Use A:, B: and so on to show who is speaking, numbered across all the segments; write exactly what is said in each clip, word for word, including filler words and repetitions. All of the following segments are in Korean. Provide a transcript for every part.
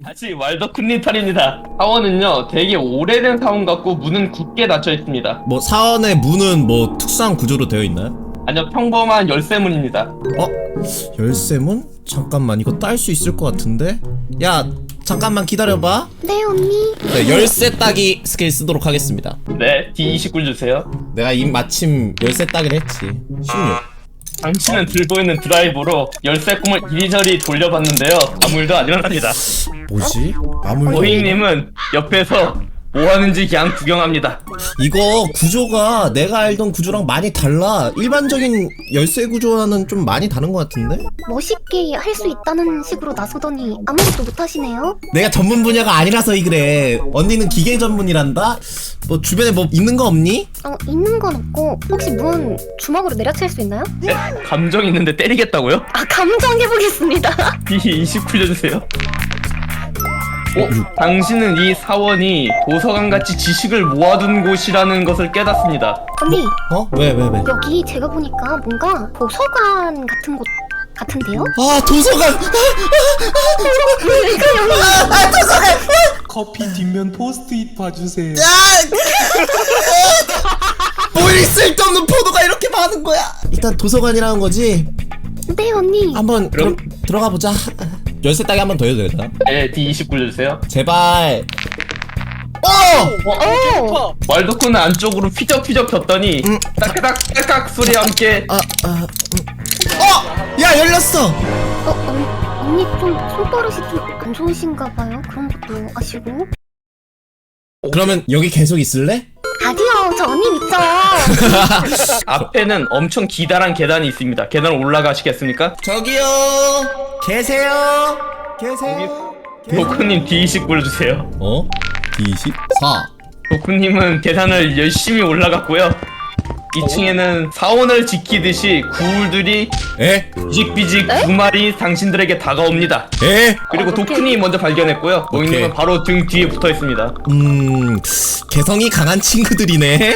A: 다시 왈더쿤님 탈입니다. 사원은요 되게 오래된 사원 같고 문은 굳게 닫혀 있습니다.
B: 뭐 사원의 문은 뭐 특수한 구조로 되어 있나요?
A: 아니요, 평범한 열쇠문입니다.
B: 어? 열쇠문? 잠깐만, 이거 딸 수 있을 것 같은데? 야, 잠깐만 기다려봐.
C: 네 언니.
B: 네, 열쇠 따기 스킬 쓰도록 하겠습니다.
A: 네, 디 이십구 주세요.
B: 내가 이 마침 열쇠 따기를 했지. 십육.
A: 당신은 들고 있는 드라이버로 열쇠 꿈을 이리저리 돌려봤는데요, 아무 일도 안 일어납니다.
B: 뭐지? 아무
A: 오잉님은 옆에서 뭐 하는지 그냥 구경합니다.
B: 이거 구조가 내가 알던 구조랑 많이 달라. 일반적인 열쇠 구조와는 좀 많이 다른 것 같은데?
C: 멋있게 할 수 있다는 식으로 나서더니 아무것도 못하시네요.
B: 내가 전문 분야가 아니라서 이 그래. 언니는 기계 전문이란다? 뭐 주변에 뭐 있는 거 없니?
C: 어 있는 건 없고 혹시 문 주먹으로 내려칠 수 있나요?
A: 네? 감정 있는데 때리겠다고요?
C: 아 감정 해보겠습니다.
A: 디 이십구 주세요. 오, 당신은 이 사원이 도서관같이 지식을 모아둔 곳이라는 것을 깨닫습니다.
C: 언니
B: 어? 왜, 왜, 왜?
C: 여기 제가 보니까 뭔가 도서관 같은 곳 같은데요?
B: 아, 도서관!
C: 그러니까 여기
B: 아, 도서관!
D: 커피 뒷면 포스트잇 봐주세요.
B: 뭐 이 쓸데없는 포도가 이렇게 많은 거야? 일단 도서관이라는 거지?
C: 네 언니.
B: 한번 그럼 들어가 보자. 열쇠 따기 한 번 더 해도 되나?
A: 네, 디 이십구 주세요.
B: 제발. 어!
C: 오.
A: 왈도쿤은 안쪽으로 휘적휘적 겼더니
B: 음.
A: 따까닥 따깍 소리와 함께
B: 아, 아, 음. 어! 야, 열렸어!
C: 어 언, 언니 좀 손버릇이 좀 안 좋으신가 봐요. 그런 것도 아시고.
B: 그러면 여기 계속 있을래?
C: 아니요 저 언니 믿죠.
A: 앞에는 엄청 기다란 계단이 있습니다. 계단 올라가시겠습니까?
B: 저기요! 계세요? 계세요?
A: 도쿠님 디 이십구 주세요.
B: 어? 디 이십사.
A: 도쿠님은 계단을 열심히 올라갔고요. 이 층에는 사원을 지키듯이 구울들이
B: 에?
A: 비직비직 두 마리 당신들에게 다가옵니다.
B: 에?
A: 그리고
C: 아,
A: 도쿠님이 먼저 발견했고요.
B: 오케이.
A: 모잉님은 바로 등 뒤에 붙어 있습니다.
B: 음... 개성이 강한 친구들이네?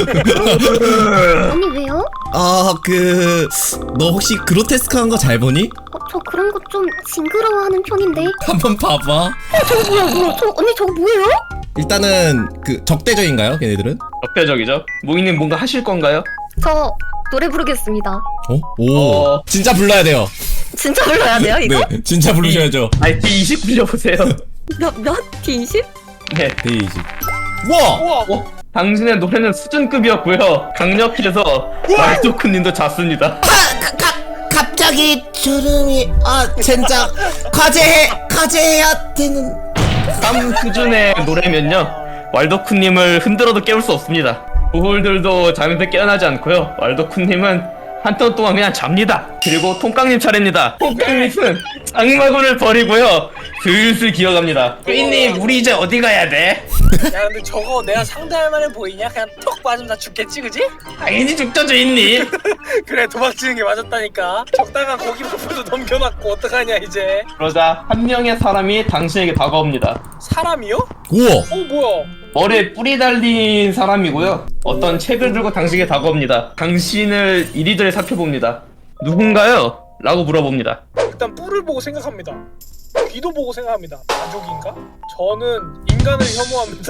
C: 언니 왜요?
B: 아, 그... 너 혹시 그로테스크한 거 잘 보니?
C: 어, 저 그런 거 좀 징그러워하는 편인데.
B: 한번 봐봐.
C: 저거 뭐야 뭐야 저 언니 저거 뭐예요?
B: 일단은 그 적대적인가요, 걔네들은?
A: 적대적이죠? 모잉님 뭔가 하실 건가요?
C: 저 노래 부르겠습니다.
B: 어? 오.
A: 어.
B: 진짜 불러야 돼요.
C: 진짜 불러야 돼요 이거?
B: 네, 진짜 부르셔야죠.
A: 아이 디 이십구 보세요.
C: 몇 몇? 디 이십?
A: 네.
B: 디 이십. 와!
A: 우와, 어, 당신의 노래는 수준급이었고요. 강력해서 왈도쿠님도 잤습니다.
B: 갑자기 주름이 아 젠장 과제해 과제해야 되는.
A: 삼 수준의 노래면요, 왈도쿠님을 흔들어도 깨울 수 없습니다. 부홀들도 잠에서 깨어나지 않고요. 왈도쿠님은 한턴 동안 그냥 잡니다. 그리고 통깡님 차례입니다. 통깡님은 장마군을 버리고요, 슬슬 기어갑니다. 삐님, 우리 이제 어디 가야 돼?
E: 야 근데 저거 내가 상대할 만해 보이냐? 그냥 턱 맞으면 다 죽겠지 그지?
A: 당연히 죽죠, 주인님.
E: 그래 도망치는 게 맞았다니까. 적당한 고기 부분도 넘겨놨고 어떡하냐 이제.
A: 그러자 한 명의 사람이 당신에게 다가옵니다.
E: 사람이요?
B: 우와.
E: 어 뭐야?
A: 머리에 뿔이 달린 사람이고요. 어떤 책을 들고 당신에게 다가옵니다. 당신을 이리저리 살펴봅니다. 누군가요? 라고 물어봅니다.
E: 일단 뿔을 보고 생각합니다. 귀도 보고 생각합니다. 가족인가? 저는 인간을 혐오합니다.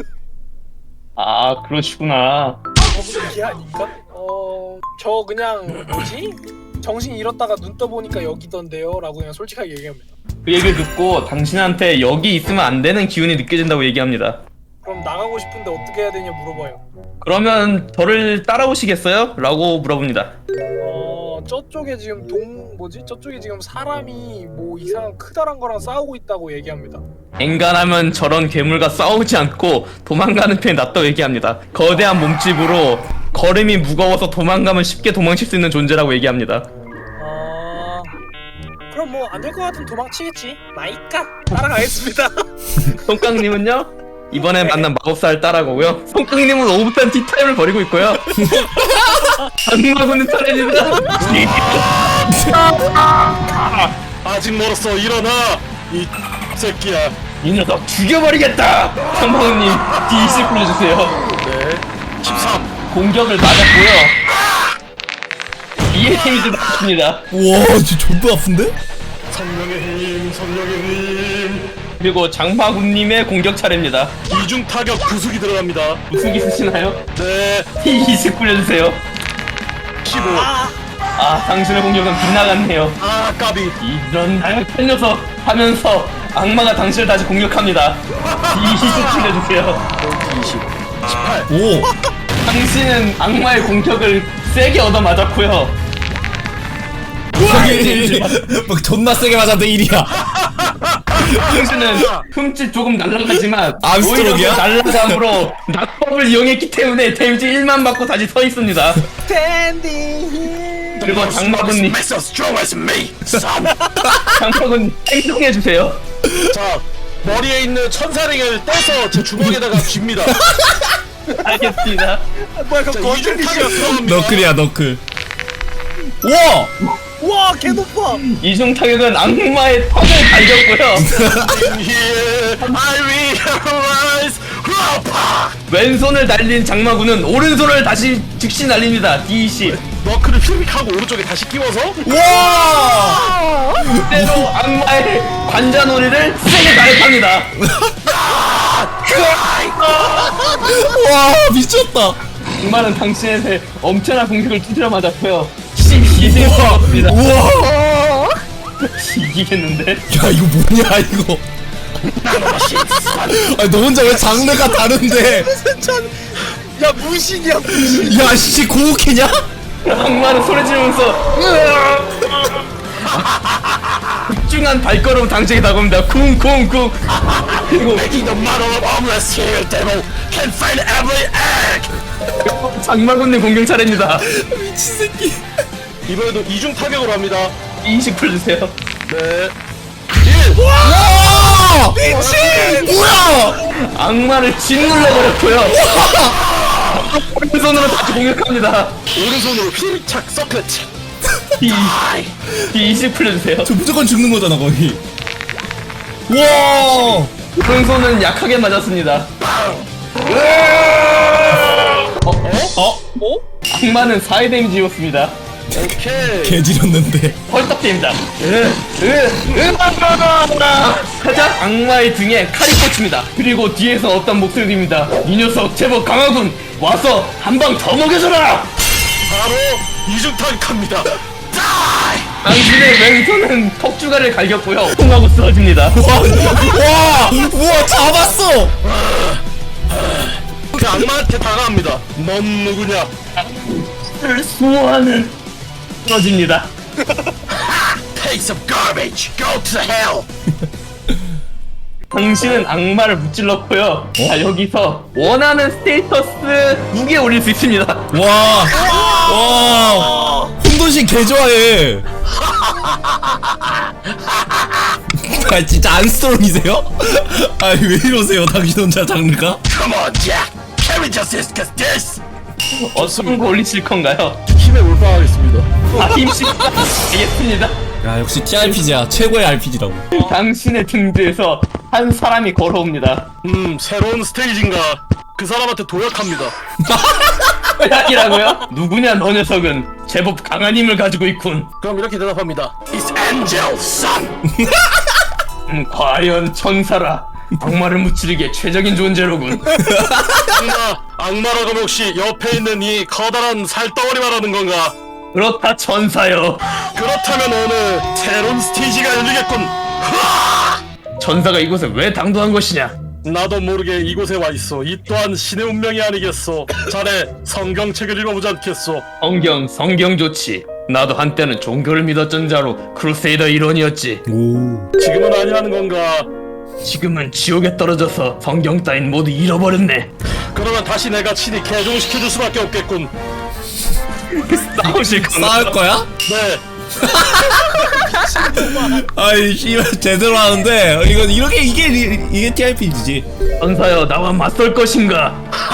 A: 아, 그러시구나.
E: 저분 이게 아닌가? 어... 저 그냥 뭐지? 정신 잃었다가 눈 떠보니까 여기던데요? 라고 그냥 솔직하게 얘기합니다.
A: 그 얘기를 듣고 당신한테 여기 있으면 안 되는 기운이 느껴진다고 얘기합니다.
E: 그럼 나가고 싶은데 어떻게 해야 되냐 물어봐요.
A: 그러면 저를 따라오시겠어요? 라고 물어봅니다.
E: 어... 저쪽에 지금 동... 뭐지? 저쪽에 지금 사람이 뭐 이상한 크다란 거랑 싸우고 있다고 얘기합니다.
A: 엔간하면 저런 괴물과 싸우지 않고 도망가는 편이 낫다고 얘기합니다. 거대한 몸집으로 걸음이 무거워서 도망가면 쉽게 도망칠 수 있는 존재라고 얘기합니다.
E: 아... 그럼 뭐 안 될 것 같으면 도망치겠지. 마이까 따라가겠습니다.
A: 송깡님은요? 이번에 만난 마법사를 따라가고요. 송깡님은 오붓한 티타임을 벌이고 있고요. 악마군은 차례입니다.
D: 아직 멀었어. 일어나 이 새끼야.
A: 이 녀석 죽여버리겠다! 상방우님 디 이십 불러주세요.
D: 네. 십삼.
A: 공격을 맞았고요. 이의 데미지 맞습니다.
B: 우와 진짜 존나 아픈데?
D: 성령의 힘, 성령의 힘.
A: 그리고 장마군님의 공격 차례입니다.
D: 이중 타격 부수기 들어갑니다.
A: 무슨 쓰시나요?
D: 네.
A: 이십 굴려주세요.
D: 십오.
A: 아, 당신의 공격은 빗나갔네요.
D: 아 까비.
A: 이런 나약한 녀석 하면서 악마가 당신을 다시 공격합니다. 이십 굴려주세요.
D: 이십. 십팔.
B: 오.
A: 당신은 악마의 공격을 세게 얻어맞았고요.
B: 막 존나 세게 맞았는데 일이야.
A: 당신은 흠집 조금 날라가지만
B: 암스트롱이야?
A: 오히려 그 날라감으로 낙법을 이용했기 때문에 데미지 일만 받고 다시 서 있습니다. 그리고 장마군님,
D: Makes us strong as me, son.
A: 장마군 행동해주세요.
D: 자 머리에 있는 천사링을 떼서 제 주먹에다가 쥡니다.
A: 알겠습니다.
E: 뭐야
D: 자,
E: 그거
D: 이중 타격 들어갑니다.
B: 너클이야 너클. 우와.
E: 와 개높아.
A: 이중 타격은 악마의 턱을 갈겼고요.
D: In here, I realize. 후아파.
A: 왼손을 날린 장마군은 오른손을 다시 즉시 날립니다. 디 이십.
D: 너클을 휘릭하고 오른쪽에 다시 끼워서
B: 와.
A: 그대로 악마의 관자놀이를 세게 가입합니다.
B: 와 미쳤다.
A: 악마는 당신의 엄청난 공격을 두드려 맞았고요. 십이 대 였습니다.
B: 우와.
A: 이기겠는데?
B: 야 이거 뭐냐 이거. 아니 너 혼자 왜 장르가 다른데?
E: 야 무신이야 무신.
B: 야씨 고우키냐?
A: 악마는 소리 지르면서 집중한 발걸음 당장에 다가옵니다. 쿵쿵쿵. 그리고
D: Making the model of homeless here, devil can find every egg.
A: 장마군님 공격 차례입니다.
B: 미친 새끼.
D: 이번에도 이중 타격으로 합니다.
A: 이십 풀주세요.
D: 네.
B: 와 미친. 뭐야?
A: 악마를 짓눌러버렸고요. 오른손으로 다시 공격합니다.
D: 오른손으로 휘리착 서클치.
A: 이 이십 풀려주세요.
B: 저 무조건 죽는 거잖아 거의. 와.
A: 오른손은 약하게 맞았습니다. 어? 어?
B: 어?
A: 악마는 사의 데미지였습니다.
D: 오케이.
B: 개지렸는데.
A: 헐떡입니다. 살짝 악마의 등에 칼이 꽂힙니다. 그리고 뒤에서 어떤 목소리 들립니다. 이 녀석 제법 강하군. 와서 한 방 더 먹여줘라.
D: 바로 이중 타격합니다.
A: 당신의 왼손은 턱주가를 갈겼고요. 통하고 쓰러집니다.
B: 와. 와. 우와 잡았어.
D: 그 악마한테 다가갑니다. 넌 누구냐?
A: 수호하는 쓰러집니다.
D: Piece of garbage. Go to hell.
A: 당신은 악마를 무찔렀고요. 자, 여기서 원하는 스테이터스 두 개 올릴 수 있습니다.
B: 와. 와. 혼돈신 개 좋아해. 아 진짜 안스트롱이세요? 아니 왜 이러세요 당신 혼자 장르가?
D: Come on, Jack. Carry justice, cause this.
A: 어떤 거 올리실 건가요?
D: 힘에 몰빵하겠습니다.
A: 아, 힘씩 알겠습니다.
B: 야 역시 티알피지야 최고의 알피지라고.
A: 당신의 등 뒤에서 한 사람이 걸어옵니다.
D: 음, 새로운 스테이지인가? 그 사람한테 도약합니다.
A: 이라고요? 누구냐 너 녀석은 제법 강한 힘을 가지고 있군.
D: 그럼 이렇게 대답합니다. It's Angel, son.
A: 음, 과연 천사라. 악마를 무찌르기에 최적인 존재로군.
D: 악마, 악마라고 하면 혹시 옆에 있는 이 커다란 살덩어리 말하는 건가?
A: 그렇다 천사여.
D: 그렇다면 오늘 새로운 스테이지가 열리겠군.
A: 천사가 이곳에 왜 당도한 것이냐?
D: 나도 모르게 이곳에 와 있어. 이 또한 신의 운명이 아니겠소. 자네 성경책을 읽어보지 않겠소?
A: 성경 성경 좋지. 나도 한때는 종교를 믿었던 자로 크루세이더 일원이었지.
B: 오.
D: 지금은 아니라는 건가?
A: 지금은 지옥에 떨어져서 성경 따윈 모두 잃어버렸네.
D: 그러면 다시 내가 친히 개종시켜줄 수밖에 없겠군.
A: 싸우실 건가?
B: 싸울 거야?
D: 네.
B: 아이 씨발 제대로 하는데 이건 이렇게 이게 이게 티알피지지.
A: 천사여 나와 맞설 것인가?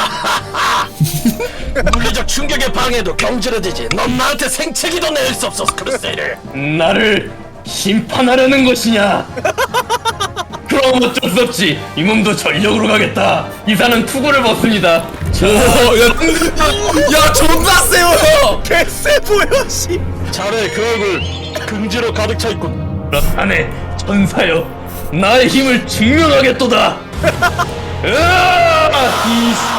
D: 물리적 충격에 방해도 경질해지지. 넌 나한테 생채기도 낼 수 없어, 크루세이더.
A: 나를 심판하려는 것이냐? 그럼 어쩔 수 없지. 이 몸도 전력으로 가겠다. 이사는 투구를 벗습니다. 자,
B: 오야 야 존나 세요.
E: 개쎄 보여 씨.
D: 자네 그 얼굴 긍지로 가득 차 있군.
A: 그렇다네 천사여. 나의 힘을 증명하겠도다. 으아! 이